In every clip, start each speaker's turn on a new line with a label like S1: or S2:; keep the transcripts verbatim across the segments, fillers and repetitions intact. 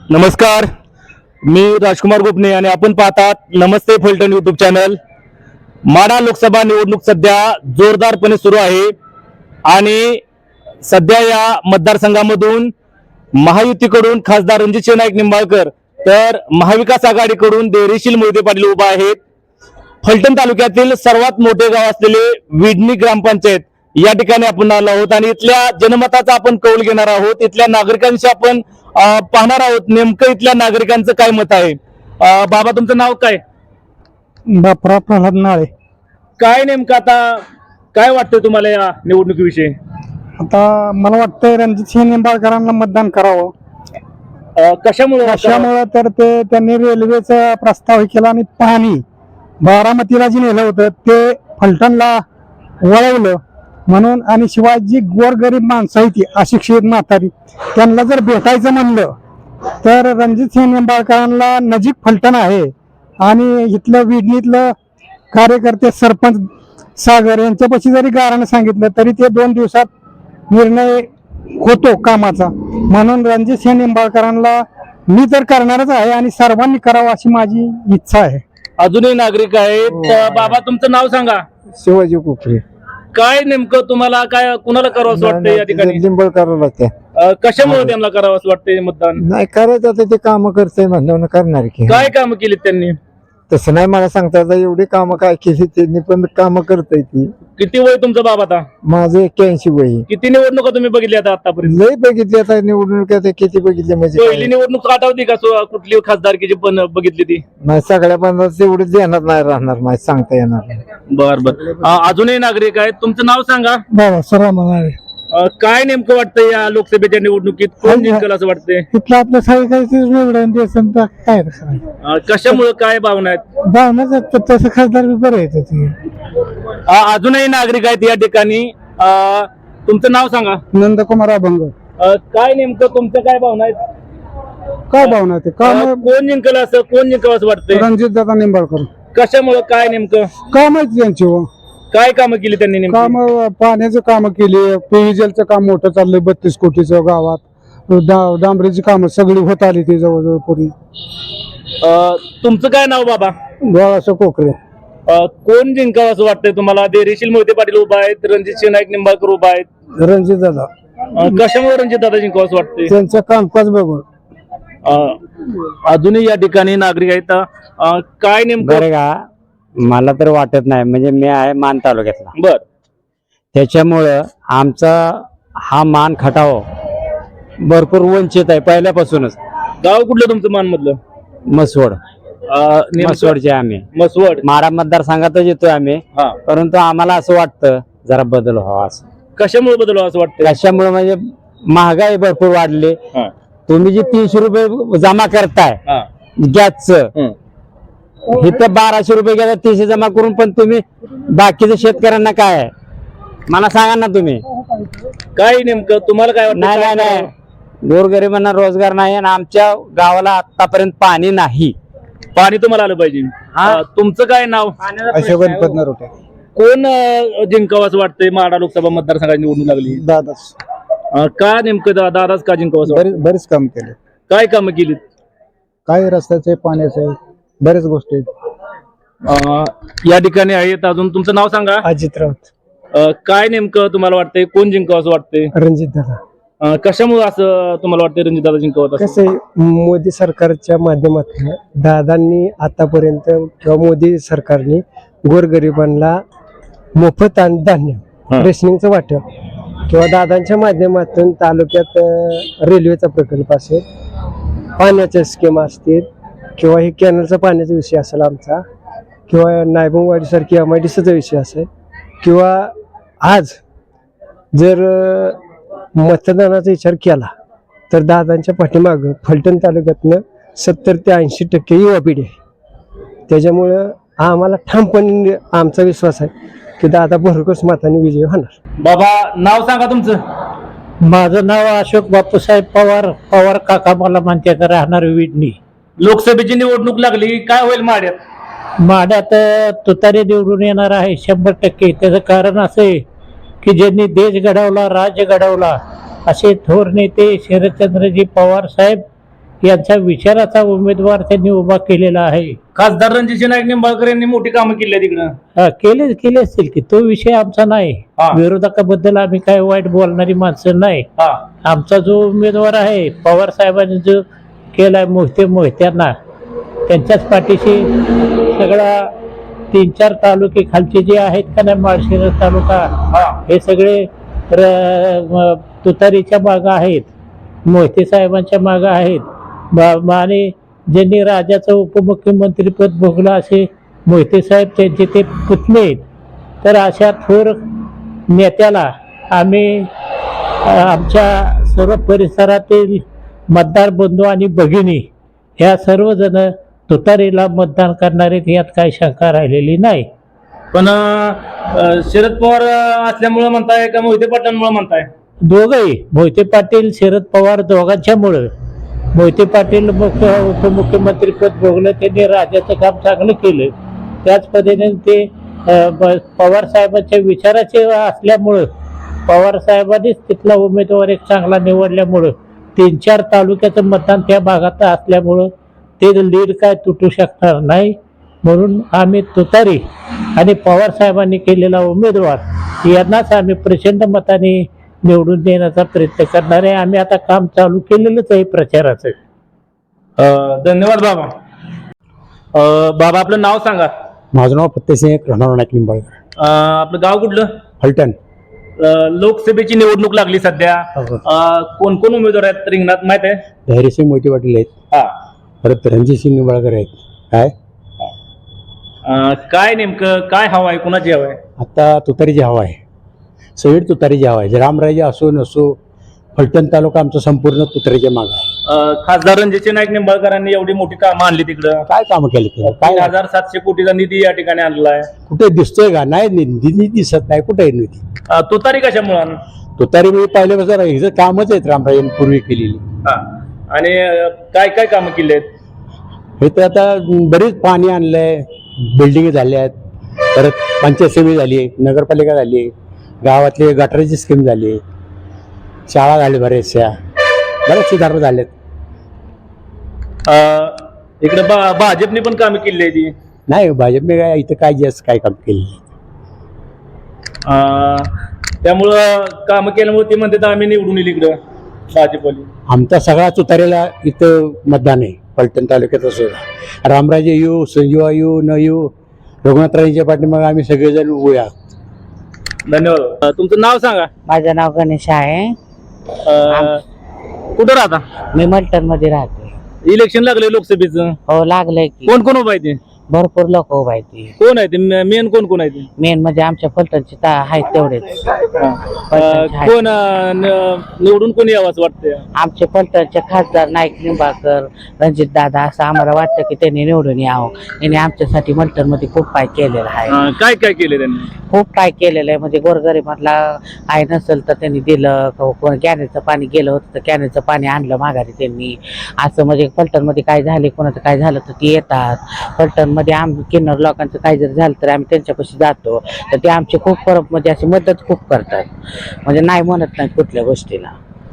S1: नमस्कार, मी राजकुमार गोपने आणि आपण पाहतात नमस्ते फलटण यूट्यूब चॅनल। माढा लोकसभा निवडणूक सध्या जोरदारपणे सुरू आहे आणि सध्या या मतदारसंघामधून महायुतीकडून खासदार रणजित नाईक निंबाळकर तर महाविकास आघाडीकडून देवरीशील मोहिते पाटील उभा आहेत। फलटण तालुक्यातील सर्वात मोठे गाव असलेले विडणी ग्रामपंचायत या ठिकाणी आपण आलो आहोत आणि इथल्या जनमताचा आपण कौल घेणार आहोत। इथल्या नागरिकांशी आपण पाहणार आहोत नेमकं इथल्या नागरिकांचं काय मत आहे। बाबा, तुमचं नाव काय?
S2: बापरा प्रल्हाद नाळे।
S1: काय नेमकं आता काय वाटतंय तुम्हाला या निवडणुकीविषयी?
S2: आता मला वाटतं रणजित सिंह निंबाळकरांना मतदान करावं।
S1: कशामुळे
S2: कशामुळे तर ते त्यांनी रेल्वेचा प्रस्ताव केला आणि पाणी बारामतीला जे नेलं होतं ते फलटणला वळवलं म्हणून, आणि शिवाय जी गोरगरीब माणसं आहे ती अशिक्षित म्हातारी त्यांना जर भेटायचं म्हणलं तर रणजित सिंह निंबाळकरांना नजीक फलटण आहे आणि इथलं विडणीतलं कार्यकर्ते सरपंच सागर यांच्यापाशी जरी गारानं सांगितलं तरी ते दोन दिवसात निर्णय होतो कामाचा। म्हणून रणजित सिंह निंबाळकरांना मी तर करणारच आहे आणि सर्वांनी करावं अशी माझी इच्छा आहे।
S1: अजूनही नागरिक आहेत। बाबा, तुमचं नाव सांगा?
S2: शिवाजी कोपरे।
S1: काय नेमकं तुम्हाला काय कुणाला करावं असं वाटतंय या ठिकाणी?
S2: निंबाळकरांना त्या
S1: कशामुळे त्यांना करावं असं वाटतंय मतदान?
S2: नाही करायचं, आता ते काम करतंय म्हणल्यावर करणार की।
S1: काय काम केली त्यांनी?
S2: तसं नाही मला सांगता येतं, एवढी कामं काय केली त्यांनी, पण कामं करताय ती।
S1: किती वय तुमचं बाबा आता?
S2: माझं एक्क्याऐंशी वय।
S1: किती निवडणुका तुम्ही बघितली आता आतापर्यंत?
S2: लय बघितली, आता निवडणूक आता किती बघितली म्हणजे
S1: पहिली
S2: काय?
S1: निवडणूक आठवती का सो- कुठली खासदारकीची पण बघितली ती?
S2: नाही, सगळ्या बंद तेवढी देणार नाही राहणार, नाही सांगता येणार नाही।
S1: बर बर अजूनही नागरिक आहेत। तुमचं नाव सांगा?
S2: बाबा सरा म्हणाले
S1: अ, काय नेमकं वाटतंय या लोकसभेच्या निवडणुकीत कोण जिंकल असं वाटतंय?
S2: तिथलं आपलं सगळं काय
S1: अ, कशामुळे काय भावना आहेत?
S2: भावनाच तसं खासदार बरं आहे ते।
S1: अ, अजूनही नागरिक आहेत या ठिकाणी। अ, तुमचं नाव सांगा?
S2: नंदकुमार अभंग।
S1: अ, काय नेमकं तुमच्या काय भावना आहेत?
S2: काय भावना ते
S1: अ,
S2: काम
S1: कोण जिंकल असं कोण जिंकल असं वाटतंय?
S2: रणजित दादा निंबाळकर।
S1: कशामुळे काय नेमकं
S2: काम आहेत त्यांची,
S1: काय कामं केली त्यांनी नेमकी?
S2: काम पाण्याचं काम केली, पेयजलचं काम मोठं चाललंय बत्तीस कोटीचं गावात। डा- डांबरीची कामं सगळी होत आली ती जवळजवळ पुरी।
S1: अ, तुमचं काय नाव बाबा?
S2: गोळाचं कोकरे।
S1: अ, कोण जिंकावं असं वाटतंय तुम्हाला? देरीशील मोहिते पाटील उभा आहेत, रणजित सिंह नाईक निंबाळकर उभा आहेत।
S2: रणजित दादा
S1: अ, कशामुळे रणजित दादा जिंकावं असं वाटतंय?
S2: त्यांचं कामकाज बघून।
S1: अ, अजूनही या ठिकाणी नागरिक आहेत। अ, काय नेमकं?
S3: बरं का, मला तर वाटत नाही, म्हणजे मी आहे मान तालुक्यातला,
S1: बर
S3: त्याच्यामुळं आमचा हा मान खटाव भरपूर वंचित आहे पहिल्यापासूनच।
S1: गाव कुठलं तुमचं मान मधलं?
S3: मसवड,
S1: अ, नेमकं-
S3: मसवडचे आम्ही
S1: मसवड।
S3: माडा मतदारसंघातच येतोय आम्ही,
S1: हा,
S3: परंतु आम्हाला असं वाटतं जरा बदल व्हावा असं।
S1: कशामुळे बदल असं वाटतंय?
S3: कशामुळे म्हणजे महागाई भरपूर वाढली।
S1: हा,
S3: तुम्ही जे तीनशे रुपये जमा करताय
S1: हा,
S3: गॅसचं,
S1: हं.
S3: इथं बाराशे रुपये गेला तीनशे जमा करून, पण तुम्ही बाकीच्या शेतकऱ्यांना काय आहे मला सांगा ना तुम्ही।
S1: काय नेमकं तुम्हाला काय
S3: नाही नाही
S1: वाटतं?
S3: नाही, गोरगरिबांना रोजगार नाही आणि आमच्या गावाला आतापर्यंत पाणी नाही।
S1: पाणी तुम्हाला आलं पाहिजे।
S3: हा.
S1: अ, तुमचं काय नाव?
S2: अशोक गणपत नरोटे।
S1: कोण अ, जिंकावं असं वाटतंय? माढा लोकसभा मतदारसंघाची निवडणूक लागली।
S2: दादाच
S1: अ, का नेमकं दा- दादाच का जिंकावं असं वाटतंय?
S2: बरेच बरेच काम केले,
S1: काय कामं केलीत?
S2: काय रस्त्याचे पाण्याचे बरेच गोष्टी आहेत।
S1: अ, या ठिकाणी आहेत। अजून तुमचं नाव सांगा?
S2: अजित राऊत।
S1: अ, काय नेमकं तुम्हाला वाटतंय कोण जिंकावं असं वाटतंय?
S2: रणजित दादा।
S1: अ, कशामुळे असं तुम्हाला वाटतंय रणजित दादा जिंकावं असं?
S2: कसं आहे, मोदी सरकारच्या माध्यमातून दादांनी आतापर्यंत किंवा मोदी सरकारने गोरगरिबांना मोफत अन्न धान्य
S1: हा.
S2: रेशनिंगचं वाटप किंवा दादांच्या माध्यमातून तालुक्यात अ, रेल्वेचा प्रकल्प असेल, पाण्याच्या स्कीम असतील किंवा हे कॅनलचा पाण्याचा विषय असेल आमचा, किंवा नायबंगवाडीसारखी एम आय डी सीचा विषय असेल, किंवा आज जर अ, मतदानाचा विचार केला तर दादांच्या पाठीमागं फलटण तालुक्यातनं सत्तर ते ऐंशी टक्के युवा पिढी आहे। त्याच्यामुळं आम्हाला ठामपणे आमचा विश्वास आहे की दादा भरघोस मताने विजय होणार।
S1: बाबा, नाव सांगा तुमचं?
S4: माझं नाव अशोक बापूसाहेब पवार। पवार काका मला म्हणते, राहणार विडणी।
S1: लोकसभेची निवडणूक लागली, काय होईल माड्यात?
S4: माड्यात तुतारी निवडून येणार आहे शंभर टक्के। त्याचं कारण असं आहे की ज्यांनी देश घडवला, राज्य घडवला, असे थोर नेते शरदचंद्रजी पवार साहेब यांचा विचाराचा उमेदवार त्यांनी उभा केलेला आहे.
S1: खासदार रणजित नाईक निंबाळकर यांनी मोठी कामं केली आहे तिकडं.
S4: हा, केले केले असतील की, तो विषय आमचा नाही.
S1: हा.
S4: विरोधकाबद्दल आम्ही काय वाईट बोलणारी माणसं नाही.
S1: हा
S4: आमचा जो उमेदवार आहे पवार साहेबांनी जो केलाय मोहिते मोहित्यांना, त्यांच्याच पाठीशी सगळा तीन चार तालुके खालचे जे आहेत का नाही, माळशिरस तालुका,
S1: हा
S4: हे सगळे र- म- तुतारीच्या मागं आहेत, मोहिते साहेबांच्या मागं आहेत. बा- आणि ज्यांनी राज्याचं उपमुख्यमंत्रीपद भोगलं असे मोहिते साहेब त्यांचे ते पुतणे आहेत. तर अशा थोर नेत्याला आम्ही अ, आमच्या सर्व परिसरातील मतदार बंधू आणि भगिनी ह्या सर्वजण तुतारीला मतदान करणारे, यात काही शंका राहिलेली नाही.
S1: पण अं, शरद पवार असल्यामुळे म्हणताय का मोहिते पाटलांमुळे म्हणताय?
S4: दोघंही, मोहिते पाटील शरद पवार दोघांच्यामुळं. मोहिते पाटील मुख्य उपमुख्यमंत्रीपद भोगलं, त्यांनी राज्याचं काम चांगलं केलं. त्याच पद्धतीने ते अ, ब- पवार साहेबांच्या विचाराचे असल्यामुळं, पवार साहेबांनीच तिथला उमेदवार एक चांगला निवडल्यामुळं, तीन चार तालुक्याचं मतदान त्या भागात असल्यामुळं ते लीड काय तुटू शकणार नाही. म्हणून आम्ही तुतारी आणि पवार साहेबांनी केलेला उमेदवार यांनाच आम्ही प्रचंड मताने निवडून देण्याचा प्रयत्न करणार आहे. आम्ही आता काम चालू केलेलंच आहे प्रचाराचं.
S1: अं, धन्यवाद बाबा. अं, बाबा आपलं नाव सांगा.
S2: माझं नाव फत्तेसिंह राहणार नाईक निंबाळकर,
S1: अं, आपलं गाव कुठलं?
S2: फलटण.
S1: अं, लोकसभेची निवडणूक लागली सध्या. अं, कोण कोण उमेदवार आहेत रिंगणात माहित आहे?
S2: धैर्यसिंह मोहिते पाटील आहेत,
S1: हा
S2: परत रणजितसिंह निंबाळकर आहेत. काय
S1: अं, काय नेमकं काय हवं आहे, कुणाची हवं आहे?
S2: आता तुतारीची हवा आहे, सगळी तुतारीची हवा आहे. रामराजे असो नसो, फलटण तालुका आमचा संपूर्ण तुतारीच्या मागे आहे.
S1: अं, खासदार रणजित नाईक निंबाळकरांनी एवढी मोठी कामं आणली तिकडं.
S2: काय कामं केली ते? काय
S1: तीन हजार सातशे कोटीचा निधी या ठिकाणी आणला आहे.
S2: कुठे दिसतोय का? नाही, निधी दिसत नाही. कुठे आहे निधी?
S1: अं, तुतारी कशामुळे?
S2: तुतारी मी पाहिल्यापासून हिचं कामच आहेत रामराजे पूर्वी केलेली.
S1: हा आणि अं, काय काय कामं केली आहेत?
S2: हे तर आता बरीच पाणी आणलंय, बिल्डिंग झाल्या आहेत, परत पंचायत समिती झाली, नगरपालिका झाली, गावातली गटाराची स्कीम झाली, शाळा झाली, बऱ्याचशा बऱ्याच सुधारणा झाल्यात.
S1: अं, इकडे बा भाजपने पण कामं केली आहे ती.
S2: नाही, भाजपने काय इथं काय जास्त काय काम केलं नाही.
S1: अं, त्यामुळं कामं केल्यामुळे ते म्हणतात आम्ही निवडून येईल इकडं भाजपवाली.
S2: आमचा सगळा तुतारीला इथं मतदान आहे. फलटण तालुक्यात असो, रामराजे येऊ, संजीवा येऊ न येऊ, रघुनाथराजेंच्या पाठीमागे आम्ही सगळेजण उभे आहोत.
S1: धन्यवाद. अं, तुमचं नाव सांगा.
S5: माझं नाव गणेश आहे.
S1: अं, कुठं राहता?
S5: मी मल्टन मध्ये राहते.
S1: इलेक्शन लागलंय लोकसभेचं.
S5: हो, लागलंय की.
S1: कोण कोण उभा आहे ते?
S5: भरपूर लोक उभा आहेत ती.
S1: कोण आहे ते मेन? कोण कोण आहे ते?
S5: मेन म्हणजे आमच्या फलटणचे ता- आहेत तेवढेच.
S1: अं, कोण अं, न- निवडून कोण यावं असं वाटतंय?
S5: आमचे फलटणचे खासदार नाईक निंबाळकर, रणजित दादा, असं आम्हाला वाटतं की त्यांनी निवडून यावं. त्यांनी आमच्यासाठी मल्टन मध्ये खूप काय केलेलं आहे.
S1: अं, काय काय केलं त्यांनी?
S5: खूप काय केलेलं आहे. म्हणजे गोरगरिबांना आहे नसेल तर त्यांनी दिलं. को- कोण कॅनेचं पाणी गेलं होतं तर कॅनेचं पाणी आणलं माघारी त्यांनी. असं म्हणजे फलटण मध्ये काय झाले, कोणाचं काय झालं तर ते येतात. फलटण मध्ये आम किन्नर लोकांचं काय जर झालं तर आम्ही त्यांच्यापाशी जातो, तर ते आमचे खूप परत म्हणजे अशी मदत खूप करतात. म्हणजे नाही म्हणत नाही कुठल्या गोष्टीला.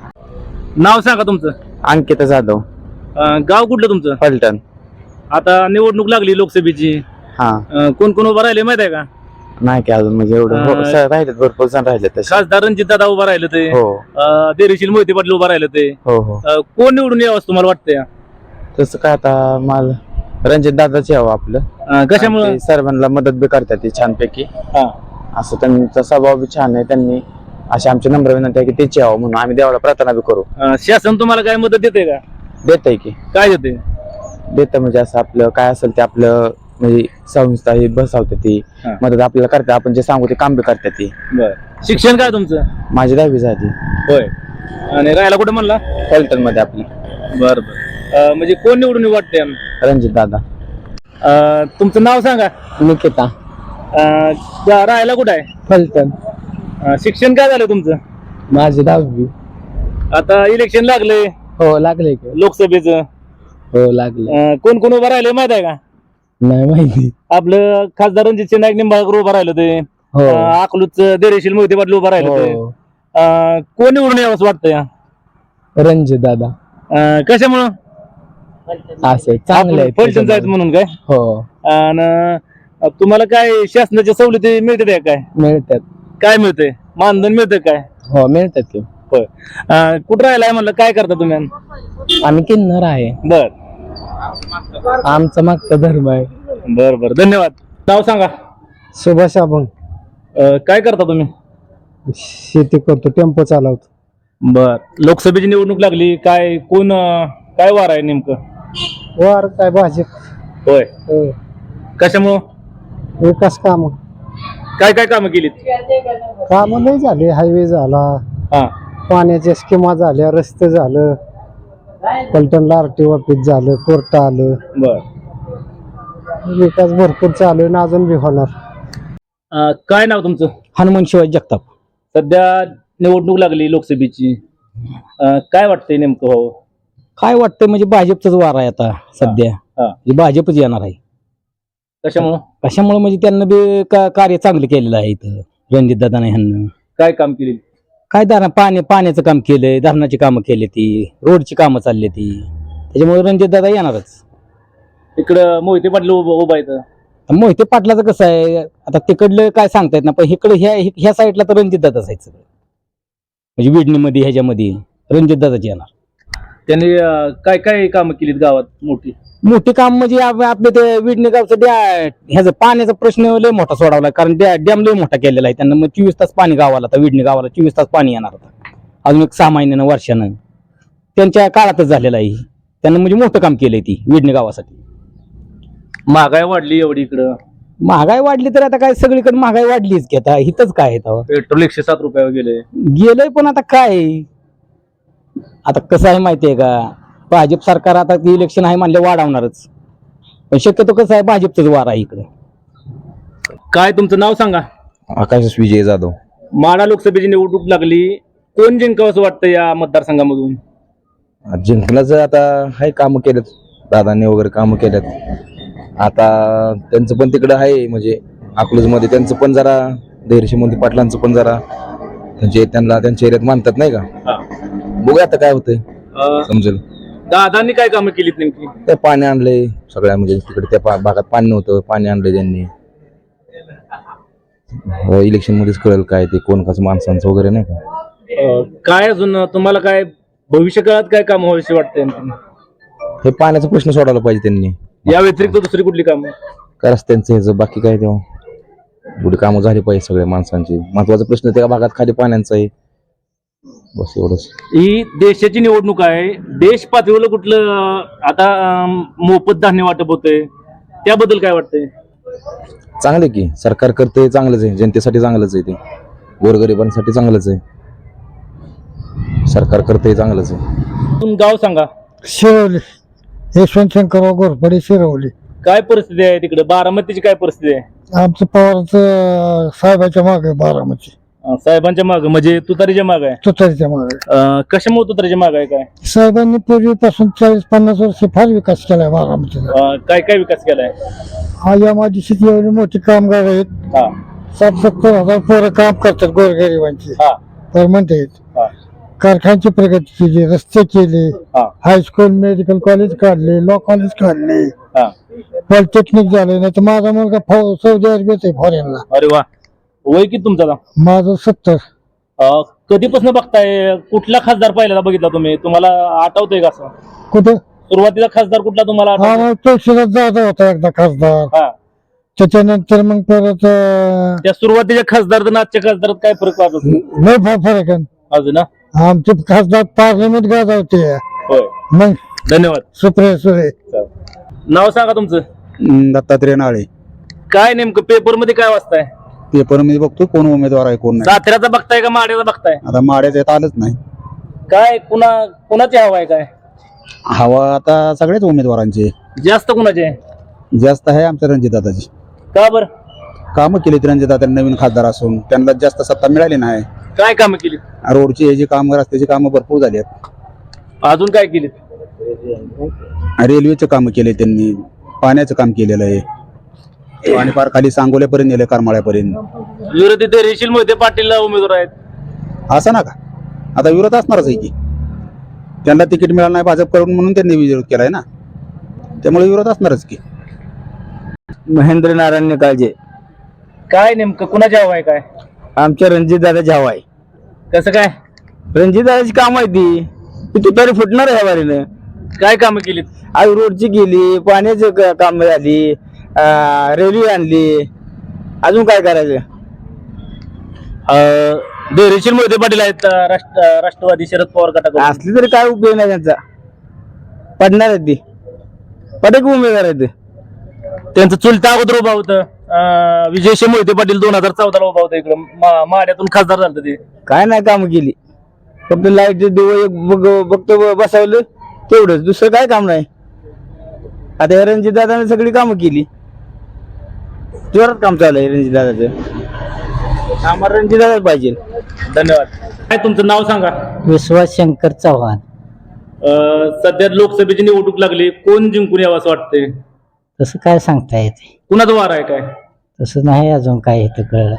S1: नाव सांगा तुमचं.
S3: अंकिता जाधव,
S1: अं, गाव कुठलं तुमचं?
S3: फलटण.
S1: आता निवडणूक लागली लोकसभेची.
S3: हा,
S1: अं, कोण कोण उभा राहिले माहित आहे का?
S3: नाही की अजून म्हणजे एवढं हो,
S1: अं,
S3: स- राहिलेत, भरपूर जण राहिले तसे.
S1: खासदार रणजित दादा उभा राहिले ते.
S3: हो
S1: अं, देरीशील मोहिते पाटील उभा राहिले ते.
S3: हो हो.
S1: अं, कोण निवडून यावं असं तुम्हाला वाटतंय?
S3: तसं काय आता मला रणजित दादाच यावं आपलं.
S1: अं, कशामुळे?
S3: ते सर्वांना मदत बी करतात ती छानपैकी.
S1: हा.
S3: असं त्यांचा स्वभाव बी छान आहे. त्यांनी अशी आमची नम्र विनंती आहे की तेच यावं म्हणून आम्ही देवाला प्रार्थना बी करू.
S1: अं, शासन तुम्हाला काय मदत देते का?
S3: देतय की
S1: काय देते?
S3: देतं म्हणजे असं आपलं काय असेल ते आपलं म्हणजे संस्था ही बसवते ती
S1: हा.
S3: मदत आपल्याला करते. आपण जे सांगू ते काम बी करते ती.
S1: बर. शिक्षण काय तुमचं?
S3: माझी दहावी झाली
S1: होय. आणि राहायला कुठे म्हणला?
S3: फलटण मध्ये आपली.
S1: बर बर. म्हणजे कोण निवडून वाटते?
S3: रणजित दादा.
S1: तुमचं नाव सांगा.
S3: निकिता.
S1: अं, रा- राहायला कुठं आहे?
S3: फलटण.
S1: अं, शिक्षण काय झालं तुमचं?
S3: माझी दहावी.
S1: आता इलेक्शन लागले
S3: हो लागले की.
S1: लोकसभेचं.
S3: हो लागले.
S1: अं, कोण कोण उभं राहिले माहित आहे का?
S3: नाही माहिती.
S1: आपलं खासदार रणजित नाईक निंबाळकर उभं राहिलं ते.
S3: हो
S1: अं, अकलूच देरेशील मोहिते पाटील उभं राहिलं ते.
S3: हो.
S1: अं, कोण निवडून यावं असं वाटतंय?
S3: रणजित दादा.
S1: अं, कशामुळं?
S3: असं चांगलं आहे
S1: फलटण जायचं म्हणून काय
S3: हो
S1: आणि तुम्हाला काय शासनाच्या सवलती मिळते काय
S3: मिळतात
S1: काय मिळतंय मानधन मिळतं काय
S3: हो मिळतात की
S1: होय अं, कुठं राहिलाय म्हणलं काय करता तुम्ही
S3: आम्ही किन्नर आहे
S1: बर
S3: आमचा मागचा धर्म आहे
S1: बर बर धन्यवाद नाव सांगा
S2: सुभाष अभंग
S1: अं, काय करता तुम्ही
S2: शेती करतो टेम्पो चालवतो
S1: बर लोकसभेची निवडणूक लागली काय कोण अं, काय वार आहे नेमकं
S2: वार काय भाजप
S1: होय
S2: हो.
S1: कशामुळं
S2: विकास काम
S1: काय काय कामं केलीत
S2: काम नाही झाले हायवे झाला
S1: हा
S2: पाण्याच्या स्कीमा झाल्या रस्ते झालं पलटणला आरटी ऑफिस झालं कोर्ट आलं
S1: बर
S2: विकास भरपूर चालू आहे ना अजून बी होणार
S1: अं, काय नाव तुमचं
S3: हनुमान शिवाजी जगताप
S1: सध्या निवडणूक लागली लोकसभेची अं, काय वाटतंय नेमकं भाऊ
S3: काय वाटतं म्हणजे भाजपचाच वार आहे आता सध्या
S1: हा.
S3: म्हणजे भाजपच येणार आहे
S1: कशामुळं
S3: कशामुळे म्हणजे त्यांना बी का- कार्य चांगलं केलेलं आहे इथं रणजित दादा ह्यांना
S1: काय काम केली
S3: काय धरण पाणी पाण्याचं काम केलंय धरणाची कामं केली ती रोडची कामं चालली ती त्याच्यामुळे रणजित दादा येणारच
S1: इकडं मोहिते पाटील उभं उभा येतं
S3: मोहिते पाटलाचं कसं आहे आता तिकडलं काय सांगता येत ना पण इकडे ह्या ह्या साईडला तर रणजित दादाच आहे सगळं म्हणजे विडणीमध्ये ह्याच्यामध्ये रणजित दादाच येणार
S1: त्यांनी अं, काय काय कामं केलीत गावात मोठी
S3: मोठी काम म्हणजे आप- आपल्या ते विडणी गावचं डॅ ह्याचा पाण्याचा प्रश्न लय मोठा सोडवला कारण डॅ डॅम लय मोठा केलेला आहे त्यांना मग चोवीस तास पाणी गावाला आता विडणी गावाला चोवीस तास पाणी येणार होता अजून एक सहा महिन्यानं वर्षानं त्यांच्या काळातच झालेलं आहे त्यांना म्हणजे मोठं काम केलंय ती विडणी गावासाठी
S1: महागाई वाढली एवढी इकडं
S3: महागाई वाढली तर आता काय सगळीकडे महागाई वाढलीच की आता इथंच काय आहे तेव्हा
S1: पेट्रोल एकशे सात रुपयावर गेले
S3: गेलंय पण आता काय आता कसं आहे माहितीये का भाजप सरकार आता इलेक्शन आहे म्हणले वाढवणारच पण शक्यतो कसं आहे भाजपचंच वार आहे इकडे
S1: काय तुमचं नाव सांगा
S6: आकाश विजय जाधव
S1: माढा लोकसभेची निवडणूक लागली कोण जिंकावं असं वाटतं या मतदारसंघामधून
S6: जिंकण्याचं आता हाय कामं केलेत दादांनी वगैरे कामं केलेत आता त्यांचं पण तिकडं आहे म्हणजे अकलूजमध्ये त्यांचं पण जरा धैर्यशील पाटलांचं पण जरा म्हणजे त्यांना त्यांच्या एरियात मानतात नाही का
S1: हा.
S6: बघूया आता काय होतंय
S1: अं,
S6: समजेल
S1: दादांनी काय कामं केलीत नेमकी
S6: ते पाणी आणलंय सगळ्या म्हणजे तिकडे त्या पा- भागात पाणी नव्हतं पाणी आणलंय त्यांनी इलेक्शन मध्येच कळेल काय ते कोण कसं माणसांचं वगैरे नाही का
S1: अं, काय अजून तुम्हाला काय भविष्य काळात काय काम व्हावीशी वाटतंय आणखीन?
S6: हे पाण्याचा प्रश्न सोडवला पाहिजे त्यांनी
S1: या व्यतिरिक्त दुसरी कुठली कामं
S6: काय रस्त्यांचं ह्याचं बाकी काय तेव्हा एवढी कामं झाली पाहिजे सगळ्या माणसांची महत्वाचा प्रश्न त्या भागात खाली पाण्याचा आहे बस एवढंच
S1: ही देशाची निवडणूक आहे देश पातळीवर कुठलं अं, आता अं, मोफत धान्य वाटप होतंय त्याबद्दल काय वाटतंय
S6: चांगलं आहे की सरकार करते चांगलंच आहे जनतेसाठी चांगलंच आहे ते गोरगरिबांसाठी चांगलंच आहे सरकार करते चांगलंच आहे
S1: तुम्ही गाव सांगा
S2: शिरवली यशवंत शंकरराव घोरपडे शिरवली
S1: काय परिस्थिती आहे तिकडे बारामतीची काय परिस्थिती आहे
S2: आमचं पवारचं साहेबाच्या मागे बारामती
S1: अं, साहेबांच्या माग म्हणजे तुतारीच्या माग आहे
S2: तुतारीच्या मागे
S1: अं, कशामुळे तुतारीच्या माग आहे काय
S2: साहेबांनी पूर्वीपासून चाळीस पन्नास वर्ष फार विकास केलाय बारामतीचा
S1: अं, काय काय विकास केलाय
S2: हा या माझी शेती एवढी मोठी कामगार आहेत
S1: हा
S2: सात सत्तर हजार पोरं काम करतात गोरगरिबांची
S1: हा
S2: तर म्हणते
S1: हा
S2: कारखान्याची प्रगती केली रस्ते केले
S1: हा
S2: हायस्कूल मेडिकल कॉलेज काढले लॉ कॉलेज काढले
S1: हा
S2: पॉलिटेक्निक झाले नाही तर माझा मुलगा फौ- सौदी अरेबियात आहे फॉरेनला
S1: अरे वा वय किती तुमचा आता?
S2: माझं सत्तर
S1: अं, कधीपासून बघताय कुठला खासदार पहिल्यांदा बघितला तुम्ही तुम्हाला आठवतंय का असं
S2: कुठं
S1: सुरुवातीला खासदार कुठला तुम्हाला
S2: हा
S1: आठवतोय?
S2: मग तुळशीला जाधा होता एकदा खासदार
S1: हा
S2: त्याच्यानंतर मग परत अं,
S1: त्या सुरुवातीच्या खासदार आणि आजच्या खासदारात काय फरक वाटत
S2: लय फार फरक आहे
S1: अजून ना
S2: आमचे खासदार पार्लमेंट गाजवते
S1: होय
S2: मग
S1: धन्यवाद
S2: सुप्रिया सुरे
S1: नाव सांगा तुमचं
S7: दत्तात्रय नाळे
S1: काय नेमकं पेपर मध्ये काय वाचताय
S7: पेपर मध्ये बघतो कोण उमेदवार आहे कोण नाही
S1: साताऱ्याचा बघताय का माड्याचा बघताय
S7: आता माड्याचं येत आलंच नाही
S1: काय कुणा कुणाची हवा आहे काय
S7: हवा आता सगळ्याच उमेदवारांचे
S1: जास्त कुणाची आहे
S7: जास्त आहे आमच्या रणजितदादाची
S1: का बर
S7: कामं केलीत रणजितदादा नवीन खासदार असून त्यांना जास्त सत्ता मिळाली नाही
S1: काय कामं केली
S7: रोडची हे जी कामं रस्त्याची कामं भरपूर झाली आहेत
S1: अजून काय केली
S7: रेल्वेचं कामं केले त्यांनी पाण्याचं काम केलेलं आहे आणि फार खाली सांगोल्यापर्यंत नेलं करमाळ्यापर्यंत
S1: विरोधी ते रेशील मोहिते पाटील उमेदवार आहेत
S7: असं ना का आता विरोध असणारच आहे की त्यांना तिकीट मिळालं नाही भाजप करून म्हणून त्यांनी विरोध केलाय ना त्यामुळे विरोध असणारच की.
S3: महेंद्र नारायण निकाळजे.
S1: काय नेमकं कुणाची हवा आहे काय?
S3: आमच्या रणजित दादाची हवा आहे.
S1: कसं काय?
S3: रणजित दादाची काम आहे ती ती तुतारी फुटणार आहे वारीनं.
S1: काय कामं केलीत?
S3: आज रोडची गेली, पाण्याची क- काम झाली, अं, रेल्वे आणली, अजून काय करायचं.
S1: अं, धैर्यशील मोहिते पाटील आहेत अं, राष्ट्र राष्ट्रवादी शरद पवार गटाकडून.
S3: असली तरी काय उपयोग नाही त्यांचा. पडणार आहे ती पडक उमेदवार आहे ते.
S1: त्यांचं चुलता अगोदर उभा होतं अं, विजयशी मोहिते पाटील दोन हजार चौदाला उभा होता इकडं मा- माड्यातून खासदार झालं ते.
S3: काय नाही काम केली, फक्त लाईट दिवं एक बघ- बघतो बसवलं तेवढंच, दुसरं काय काम नाही. आता या रणजित दादाने सगळी कामं केली, जोरात काम चालू आहे रणजित दादाचं. आम्हाला रणजित दादा पाहिजे.
S1: धन्यवाद. काय तुमचं नाव सांगा?
S4: विश्वास शंकर चव्हाण.
S1: अं, सध्या लोकसभेची निवडणूक लागली, कोण जिंकून यावं असं वाटतंय?
S4: तसं काय सांगता येते,
S1: कुणाचं वार आहे काय?
S4: तसं नाही अजून काय इथं कळलं.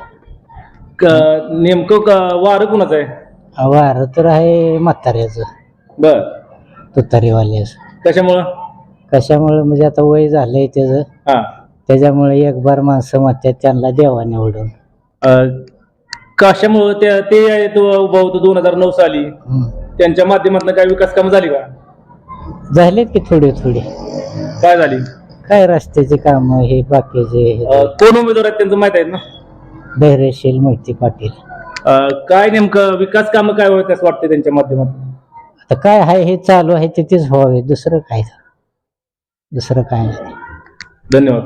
S1: क- नेमकं क- वार कुणाचं आहे?
S4: वार तर आहे म्हाताऱ्याचं,
S1: बर,
S4: तुतारीवाल्याचं.
S1: कशामुळं?
S4: कशामुळे म्हणजे आता वय झालंय त्याचं,
S1: हा,
S4: त्याच्यामुळे एक बार माणसं म्हणतात त्यांना देवा निवडून.
S1: अं, कशामुळं त्या ते आहेत उभा होतं दोन हजार नऊ साली,
S4: हम्म.
S1: त्यांच्या माध्यमातून काय विकास कामं झाली का?
S4: झालेत की थोडी थोडी,
S1: काय झाली?
S4: काय रस्त्याचे काम हे बाकीचे हे.
S1: अं, कोण उमेदवार आहेत त्यांचं माहित आहे ना?
S4: धैर्यशील मोहिते पाटील.
S1: अं, काय नेमकं विकास कामं काय होत असं वाटतं त्यांच्या माध्यमातून?
S4: आता काय आहे हे चालू आहे ते तेच व्हावे, दुसरं काय, दुसरं काय नाही.
S1: धन्यवाद.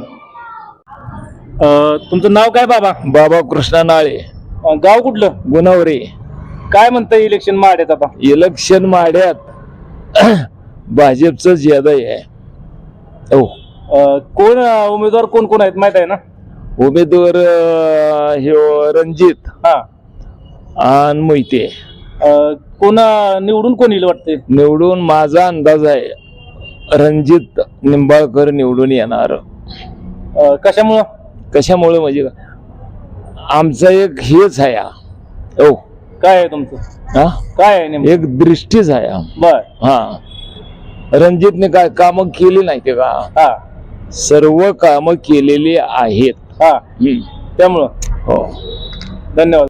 S1: अं, तुमचं नाव काय बाबा?
S6: बाबा कृष्णा नाळे,
S1: अं, गाव कुठलं?
S6: गुणवरे.
S1: काय म्हणतं इलेक्शन माड्यात आता?
S6: इलेक्शन माड्यात भाजपच ज्यादा आहे. हो,
S1: अं, कोण अं, उमेदवार कोण कोण आहेत माहित आहे ना?
S6: उमेदवार अं, हे रणजित
S1: हा,
S6: आणि मोहिते.
S1: अं, कोण अं, निवडून कोण येईल वाटते?
S6: निवडून माझा अंदाज आहे रणजित निंबाळकर निवडून येणार.
S1: अं, कशामुळं?
S6: कशामुळे म्हणजे का? आमचा एक हेच आहे हा. हो,
S1: काय आहे तुमचं?
S6: हा,
S1: काय आहे नेमकं?
S6: एक दृष्टीच आहे हा.
S1: बर,
S6: हा, रणजितने काय कामं केली नाही ते का?
S1: हा
S6: सर्व कामं केलेली आहेत.
S1: हा,
S6: हम्म.
S1: त्यामुळं
S6: हो.
S1: धन्यवाद.